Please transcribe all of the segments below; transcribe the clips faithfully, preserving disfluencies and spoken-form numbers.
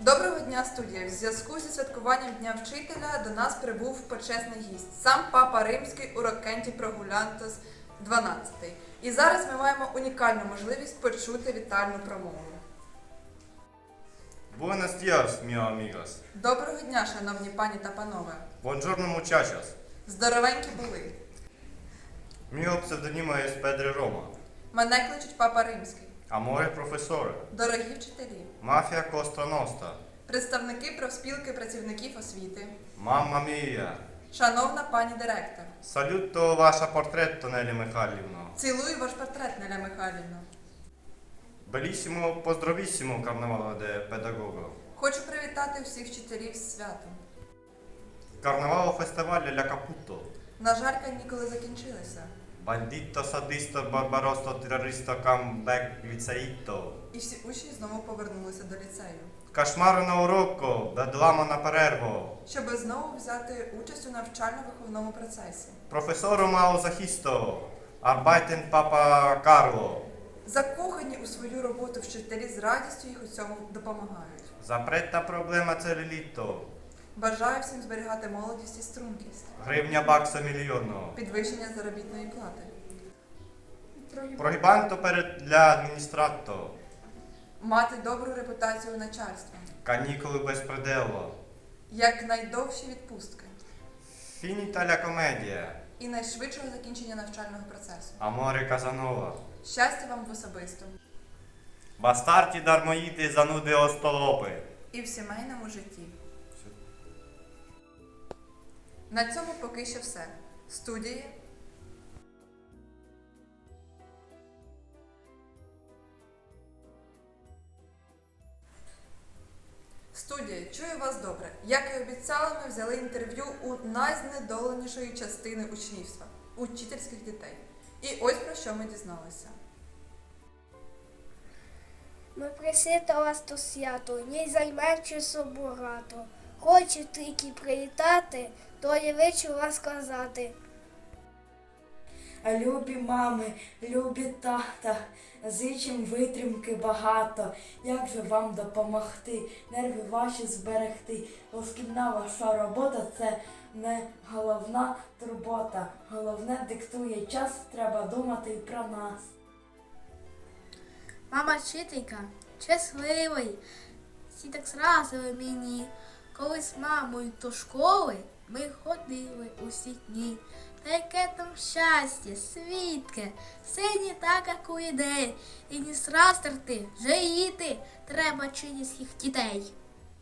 Доброго дня, студія! В зв'язку зі святкуванням Дня вчителя до нас прибув почесний гість, сам Папа Римський Урокенті Прогулянтос дванадцятий. І зараз ми маємо унікальну можливість почути вітальну промову. Buenos días, mio amigos. Доброго дня, шановні пані та панове! Buongiorno, muchachos. Здоровенькі були! Mio pseudonimo è Pedro Roma. Мене кличуть Папа Римський. Amore professore. Дорогі вчителі! Mafia Costa Nostra. Представники профспілки працівників освіти. Mamma mia. Шановна пані директор! Saluto ваша portretto, Nelly Михайлівно. Цілую ваш портрет, Неля Михайлівна. Bellissimo, pozdravissimo carnevale de pedagogo. Хочу привітати всіх вчителів з святом. Carnevalo festival la Caputo. На жаль, канікули закінчилися. Bandito, sadisto, barbarosto, terroristo, comeback, liceito. І всі учні знову повернулися до ліцею, Кошмари на уроку, бедлама на перерву. щоб знову взяти участь у навчально-виховному процесі. Професору мало захисту. Arbeiten Папа Карло. Закохані у свою роботу вчителі з радістю їх у цьому допомагають. Запретна проблема целлюліту. Бажаю всім зберігати молодість і стрункість. Гривня бакса мільйону. Підвищення заробітної плати. Прогибанто перед для адміністрату. Мати добру репутацію у начальства. Канікули без пределу. Якнайдовші відпустки. Фініта ля комедія. І найшвидшого закінчення навчального процесу. Аморе Казанова. Щастя вам в особистому. Бастарті дармоїди зануди остолопи. І в сімейному житті. На цьому поки що все. Студії. Студія, чую вас добре. Як і обіцяли, ми взяли інтерв'ю у найзнедоленішої частини учнівства – учительських дітей. І ось про що ми дізналися. Ми прийшли до вас до святу, не займе часу багато. Хочу тільки привітати, то я вичу вас сказати. Любі мами, любі тата, зичим витримки багато. Як же вам допомогти, нерви ваші зберегти? Шкільна ваша робота – це не головна турбота. Головне диктує час, треба думати і про нас. Мама вчителька, щасливий, всі так зразили мені. Коли з мамою до школи ми ходили усі дні. Та яке там щастя, свідке, все не так, як у ідеї. І не зрастерти, жаліти треба чинівських дітей.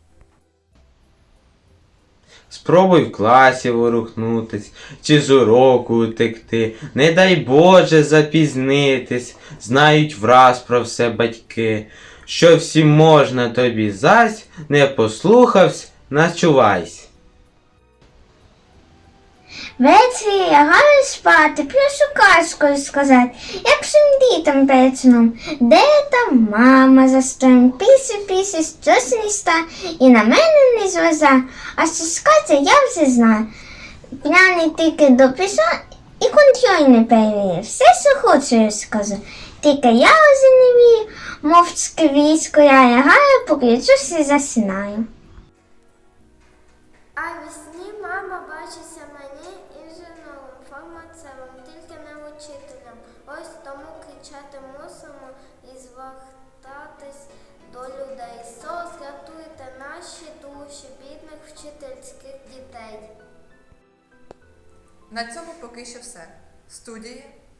Спробуй в класі ворухнутись, чи з уроку утекти, не дай Боже запізнитись, знають враз про все батьки, що всім можна тобі зась, не послухавсь, начувайсь. Ввечері лягаю спати, прошу казкою сказати, як всім дітям перед сном. Де там мама за стоєм, пісі-пісі, щось не ста, і на мене не злиза, а що скаже, я вже знаю. П'яний тільки дописав і контроль не перевірив, все, що хочу, скажу. Тільки я вже не вірю, мовчки військо я лягаю, поключусь і засинаю. А весні мама бачиться мені інженером, фармацевтом, тільки не учителем. Ось тому кричати мусимо і звертатись до людей. Сос, рятуйте наші душі, бідних вчительських дітей. На цьому поки що все. Студії.